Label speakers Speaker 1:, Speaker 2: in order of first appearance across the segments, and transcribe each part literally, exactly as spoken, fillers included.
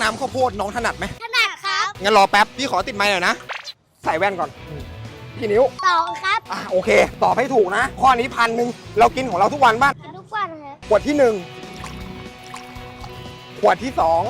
Speaker 1: น้ำข้าวโพดน้องถนัดไหม
Speaker 2: ถนัดครับ
Speaker 1: งั้นรอแป๊บพี่ขอติดไมค์หน่อยนะใส่แว่นก่อนกี่นิ้ว
Speaker 2: สองครับ
Speaker 1: อ่ะโอเคตอบให้ถูกนะข้อนี้พันหนึ่งเรากินของเราทุกวันบ้าง
Speaker 2: ทุกวันครับ
Speaker 1: ขวดที่หนึ่งขวดที่สอง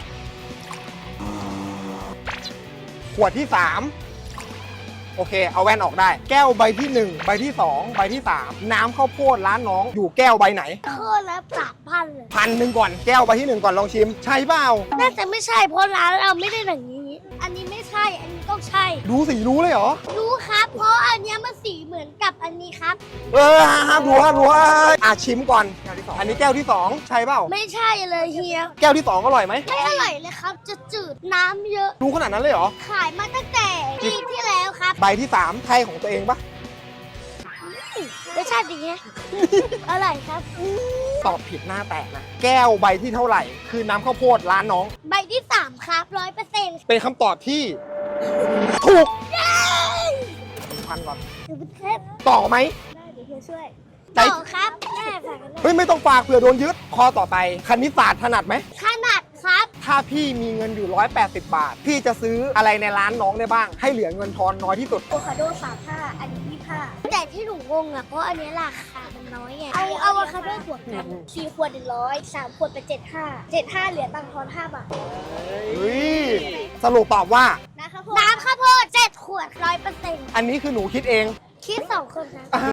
Speaker 1: ขวดที่สามโอเคเอาแว่นออกได้แก้วใบที่หนึ่งใบที่สองใบที่สามน้ำข้าวโพดร้านน้องอยู่แก้วใบไหน
Speaker 2: โคตรละสามพันเลย
Speaker 1: พันหนึ่งก่อนแก้วใบที่หนึ่งก่อนลองชิมใช่เปล่า
Speaker 2: น่าจะไม่ใช่เพราะร้านเราไม่ได้อย่างนี้ อันนี้ไม่ใช่ อันนี้ต้องใช่
Speaker 1: ดูสีรู้เลยเหรอ
Speaker 2: รู้ครับ เพราะอันเนี้ยมันสีเหมือนกับอันนี้ครับ
Speaker 1: เออห้ามดูห้ามดูอ่ะชิมก่อนอันนี้แก้วที่สองใช่เปล่า
Speaker 2: ไม่ใช่เลยเฮีย
Speaker 1: แก้วที่สองอร่อยไหม
Speaker 2: ไม่อร่อยเลยครับ จะจืดน้ำเยอะ
Speaker 1: รู้ขนาดนั้นเลยเหรอ
Speaker 2: ขายมาตั้งแต่ปีที่แล้วครับ
Speaker 1: ใบที่สามใช่ของตัวเองปะ
Speaker 2: รสชาติดีไง อร่อยครับ
Speaker 1: ตอบผิดหน้าแตกนะแก้วใบที่เท่าไหร่ คือน้ำข้าวโพดร้านน้อง
Speaker 2: ใบที่สามครับร้อยเปอร์เซ็นต์
Speaker 1: เป็นคำตอบที่ ถูกพันก่อน
Speaker 2: ถือเป็นเคล็ด
Speaker 1: ต่อไหม
Speaker 2: ได้เดี๋ยวเฮียช่วย
Speaker 1: ใจ
Speaker 2: ต่อครับแม่ฝากกันด้วย
Speaker 1: เฮ้ยไม่ต้องฝากเผื่อโดนยึดข้อต่อไปคณิตศาสตร์ถนัดไหม
Speaker 2: ขนาดครับ
Speaker 1: ถ้าพี่มีเงินอยู่ร้อยแปดสิบบาท พี่จะซื้ออะไรในร้านน้องได้บ้าง ให้เหลือเงินทอนน้อยที่สุด
Speaker 2: โอคาโดสามห้าอันนี้ยี่ห้าแต่ที่หนูงงอ่ะ เพราะอันนี้ราคามันน้อยไงเอาเอาอะคาโดบวกกันสี่ขวดหนึ่งร้อยสามขวดเป็นเจ็ดห้าเจ็ดห้าเหลือตังค์ทอนห้าบาท
Speaker 1: เฮ้ยสรุปตอบว่า
Speaker 2: น้ำข้าวโพดน้ำข้าวโพดเจ็ดขวดร้อยเปอร์เซ็นต์
Speaker 1: อันนี้คือหนูคิดเอง
Speaker 2: คิดสองคนครับ
Speaker 1: อ่า